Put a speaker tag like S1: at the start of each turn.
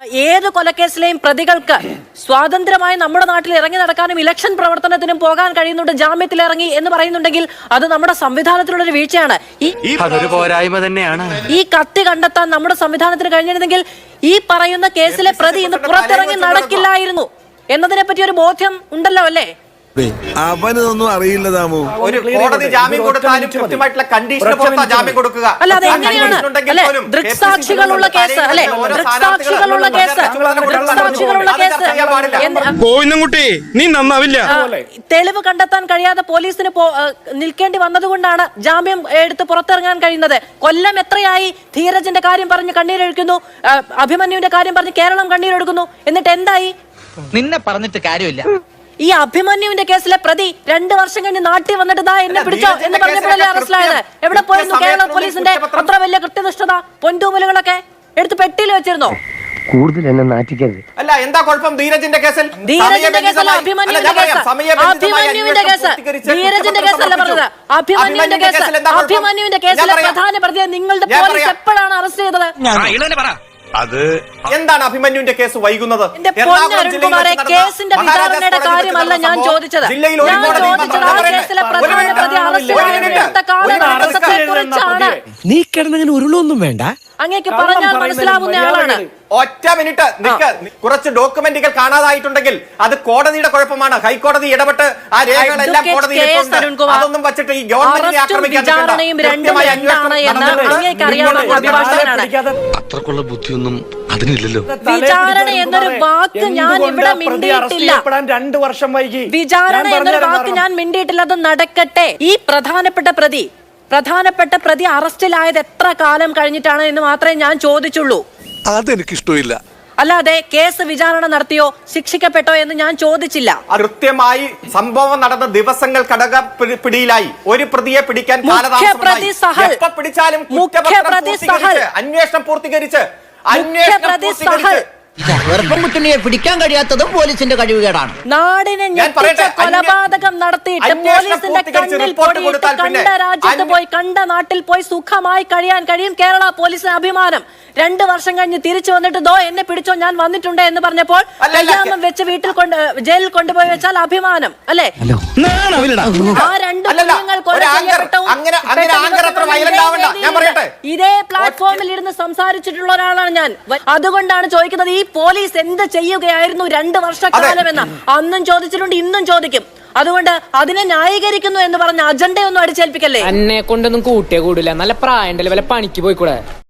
S1: ഏത് കൊലക്കേസിലെയും പ്രതികൾക്ക് സ്വാതന്ത്ര്യമായി നമ്മുടെ നാട്ടിൽ ഇറങ്ങി നടക്കാനും ഇലക്ഷൻ പ്രവർത്തനത്തിനും പോകാൻ കഴിയുന്നുണ്ട്, ജാമ്യത്തിൽ ഇറങ്ങി എന്ന് പറയുന്നുണ്ടെങ്കിൽ അത് നമ്മുടെ സംവിധാനത്തിലുള്ള ഒരു വീഴ്ചയാണ്.
S2: അതൊരു പോരായ്മ തന്നെയാണ്.
S1: ഈ കത്തി കണ്ടെത്താൻ നമ്മുടെ സംവിധാനത്തിന് കഴിഞ്ഞിരുന്നെങ്കിൽ ഈ പറയുന്ന കേസിലെ പ്രതി ഇന്ന് പുറത്തിറങ്ങി നടക്കില്ലായിരുന്നു എന്നതിനെ പറ്റി ഒരു ബോധ്യം ഉണ്ടല്ലോ അല്ലേ?
S3: അവനൊന്നും അറിയില്ല താമോ.
S4: ഒരു കോടതി ജാമ്യം കൊടുത്താലും കൃത്യമായിട്ടുള്ള കണ്ടീഷന് പുറത്താ ജാമ്യം കൊടുക്കുക.
S1: അല്ല, അത് എങ്ങനെയാണ്? അല്ലെ, ദൃക്സാക്ഷികളുള്ള കേസ്, അല്ലെ, ദൃക്സാക്ഷികളുള്ള കേസ്, ദൃക്സാക്ഷികളുള്ള കേസ്.
S2: നീ നന്നാവില്ല.
S1: തെളിവ് കണ്ടെത്താൻ കഴിയാതെ പോലീസിന് നിൽക്കേണ്ടി വന്നതുകൊണ്ടാണ് ജാമ്യം എടുത്ത് പുറത്തിറങ്ങാൻ കഴിയുന്നത്. കൊല്ലം എത്രയായി ധീരജിന്റെ കാര്യം പറഞ്ഞ് കണ്ണീരൊഴുക്കുന്നു, അഭിമന്യുവിന്റെ കാര്യം പറഞ്ഞ് കേരളം കണ്ണീരൊഴുക്കുന്നു. എന്നിട്ട് എന്തായി?
S5: നിന്നെ പറഞ്ഞിട്ട് കാര്യമില്ല.
S1: ഈ അഭിമന്യുവിന്റെ കേസിലെ പ്രതി 2 വർഷം കഴിഞ്ഞ് നാട്ടിൽ വന്നിട്ട് ദാ എന്നെ പിടിച്ചോ എന്ന് പറഞ്ഞപ്പോഴല്ലേ അറസ്റ്റിലായത്? എവിടെ പോയിരുന്നു കേരള പോലീസിന്റെ അത്ര വലിയ കൃത്യനിഷ്ഠത? പൊൻതൂമലുകളൊക്കെ എടുത്ത് പെട്ടിയിൽ വെച്ചിരുന്നോ?
S6: കൂടുതൽ എന്നെ നാറ്റിക്കരുത്.
S4: അല്ല, എന്താ കുഴപ്പം ധീരജിന്റെ കേസിൽ?
S1: ധീരജിന്റെ കേസല്ല, അഭിമന്യുവിന്റെ കേസ്. അഭിമന്യുവിന്റെ കേസ്, ധീരജിന്റെ കേസല്ല പറഞ്ഞത്. അഭിമന്യുവിന്റെ കേസ്, അഭിമന്യുവിന്റെ കേസിലെ പ്രധാന പ്രതിയെ നിങ്ങളുടെ പോലീസ് എപ്പോഴാണ് അറസ്റ്റ് ചെയ്തത്?
S4: അത് എന്താണ് അഭിമന്യുവിന്റെ കേസ് വൈകുന്നത്?
S1: കേസിന്റെ വിചാരണയുടെ കാര്യമല്ല ഞാൻ ചോദിച്ചത്. ഞാൻ ചോദിച്ചത് ആ കേസിലെ പ്രധാന പ്രതി അറസ്റ്റ് കാലഘട്ടത്തെക്കുറിച്ചാണ്.
S6: നീ കിടന്നങ്ങനെ ഉരുളൊന്നും വേണ്ട.
S1: അങ്ങേക്ക് പറഞ്ഞാൽ മനസ്സിലാവുന്ന ആളാണ്.
S4: ഒറ്റ മിനിറ്റ് നിക്ക്. കുറച്ച് ഡോക്യുമെന്റുകൾ കാണാതായിട്ടുണ്ടെങ്കിൽ അത് കോടതിയുടെ കുഴപ്പമാണ്. ഹൈക്കോടതി ഇടപെട്ട് ആ രേഖകളെല്ലാം കോടതിയിൽ അതൊന്നും വെച്ചിട്ട് ഈ ഗവൺമെന്റിനെ ആക്രമിക്കാൻ
S2: അത്രക്കുള്ള ബുദ്ധിയൊന്നും അതിനില്ലല്ലോ.
S1: വിചാരണ എന്നൊരു വാക്ക് ഞാൻ ഇവിടെ മിണ്ടിയിട്ടില്ല.
S7: 2 വർഷം വൈകി
S1: വിചാരണ എന്നൊരു വാക്ക് ഞാൻ മിണ്ടിയിട്ടില്ല. അത് നടക്കട്ടെ. ഈ പ്രധാനപ്പെട്ട പ്രതി അറസ്റ്റിലായത് എത്ര കാലം കഴിഞ്ഞിട്ടാണ് എന്ന് മാത്രമേ ഞാൻ ചോദിച്ചുള്ളൂ.
S3: അതെനിക്കിഷ്ടമില്ല.
S1: അല്ലാതെ കേസ് വിചാരണ നടത്തിയോ ശിക്ഷിക്കപ്പെട്ടോ എന്ന് ഞാൻ ചോദിച്ചില്ല.
S4: കൃത്യമായി സംഭവം നടന്ന ദിവസങ്ങൾ പിടിയിലായി. ഒരു പ്രതിയെ പിടിക്കാൻ പിടിച്ചാലും അന്വേഷണം പൂർത്തീകരിച്ച്
S5: കുട്ടിയെ പിടിക്കാൻ കഴിയാത്തതും പോലീസിന്റെ കഴിവുകേടാണ്.
S1: നാടിനെ ഞെട്ടിച്ച കൊലപാതകം നടത്തിയിട്ട് പോലീസിന്റെ കണ്ണിൽ പൊടിയിട്ട് കണ്ട രാജ്യത്ത് പോയി, കണ്ട നാട്ടിൽ പോയി സുഖമായി കഴിയാൻ കഴിയും കേരള പോലീസിന് അഭിമാനം. 2 വർഷം കഴിഞ്ഞ് തിരിച്ചു വന്നിട്ട് ദോ എന്നെ പിടിച്ചോ ഞാൻ വന്നിട്ടുണ്ട് എന്ന് പറഞ്ഞപ്പോൾ കയ്യാമം വെച്ച് വീട്ടിൽ ജയിലിൽ കൊണ്ടുപോയി വെച്ചാൽ അഭിമാനം അല്ലേ? ആ 2 കുഞ്ഞുങ്ങൾ കൊല ചെയ്യപ്പെട്ടവും ഇതേ പ്ലാറ്റ്ഫോമിൽ ഇരുന്ന് സംസാരിച്ചിട്ടുള്ള ഒരാളാണ് ഞാൻ. അതുകൊണ്ടാണ് ചോദിക്കുന്നത്, ഈ പോലീസ് എന്ത് ചെയ്യുകയായിരുന്നു 2 വർഷക്കാലം എന്ന്. അന്നും ചോദിച്ചിട്ടുണ്ട്, ഇന്നും ചോദിക്കും. അതുകൊണ്ട് അതിനെ ന്യായീകരിക്കുന്നു എന്ന് പറഞ്ഞ അജണ്ടയൊന്നും അടിച്ചേൽപ്പിക്കല്ലേ.
S8: എന്നെ കൊണ്ടൊന്നും കൂട്ടിയേ കൂടില്ല. നല്ല പ്രായം വല്ല പണിക്ക് പോയിക്കൂടെ?